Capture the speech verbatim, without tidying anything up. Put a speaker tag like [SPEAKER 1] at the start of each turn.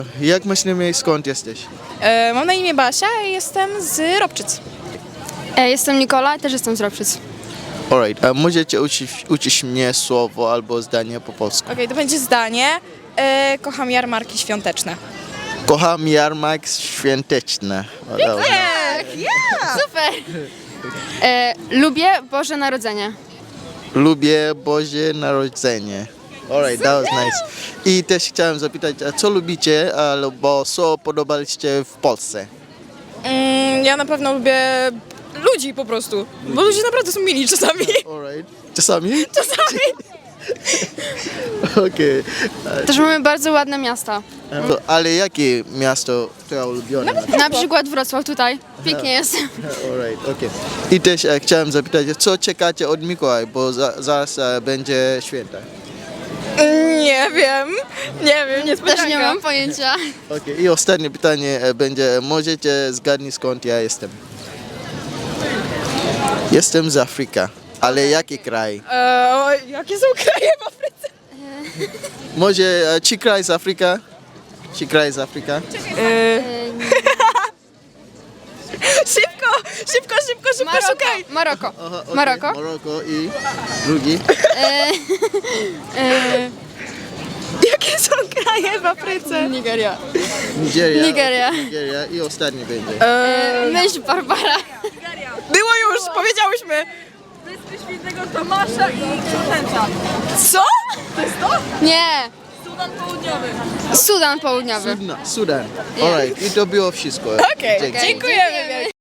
[SPEAKER 1] Jak masz na imię i skąd jesteś?
[SPEAKER 2] E, mam na imię Basia i jestem z Robczyc.
[SPEAKER 3] E, jestem Nikola i też jestem z Robczyc.
[SPEAKER 1] Alright, a możecie uczyć, uczyć mnie słowo albo zdanie po polsku?
[SPEAKER 2] Okej, to będzie zdanie. E, kocham jarmarki świąteczne.
[SPEAKER 1] Kocham jarmark świąteczny.
[SPEAKER 3] Super! E, lubię Boże Narodzenie.
[SPEAKER 1] Lubię Boże Narodzenie. Alright, that was nice. I też chciałem zapytać, a co lubicie albo co podobaliście w Polsce?
[SPEAKER 2] Mm, ja na pewno lubię ludzi po prostu, bo ludzie naprawdę są mili czasami.
[SPEAKER 1] Alright. Czasami?
[SPEAKER 2] Czasami.
[SPEAKER 1] Okej.
[SPEAKER 3] Też mamy bardzo ładne miasta.
[SPEAKER 1] To- Ale jakie miasto twoje ulubione?
[SPEAKER 3] Na przykład Wrocław tutaj. Pięknie jest.
[SPEAKER 1] Alright, okej. I też e, chciałem zapytać, co czekacie od Mikołaj, bo za, zaraz e, będzie święta.
[SPEAKER 2] Nie wiem, nie wiem, nie
[SPEAKER 3] Też nie mam pojęcia.
[SPEAKER 1] Okej. I ostatnie pytanie e, będzie, możecie zgadnąć skąd ja jestem? Jestem z Afryki, ale jaki kraj?
[SPEAKER 2] E, o, jakie są kraje w Afryce?
[SPEAKER 1] Może e, czy kraj z Afryki? Czy kraj z Afryki?
[SPEAKER 2] E, szybko, szybko, szybko, szybko, szukaj.
[SPEAKER 3] Maroko.
[SPEAKER 1] Aha, okej.
[SPEAKER 3] Maroko.
[SPEAKER 1] Maroko i drugi?
[SPEAKER 2] Jakie są kraje w Afryce?
[SPEAKER 3] Nigeria.
[SPEAKER 1] Nigeria.
[SPEAKER 3] Nigeria.
[SPEAKER 1] okej, Nigeria i ostatni będzie.
[SPEAKER 3] E, myśl Barbara.
[SPEAKER 2] Było już, powiedziałyśmy.
[SPEAKER 4] Wyspy Świętego Tomasza i Książęta.
[SPEAKER 2] Co?
[SPEAKER 3] Nie.
[SPEAKER 4] Sudan Południowy.
[SPEAKER 3] Sudan Południowy.
[SPEAKER 1] Sudan. Sudan. Alright, i to było wszystko.
[SPEAKER 2] Okej,
[SPEAKER 1] Dzięki.
[SPEAKER 2] dziękujemy.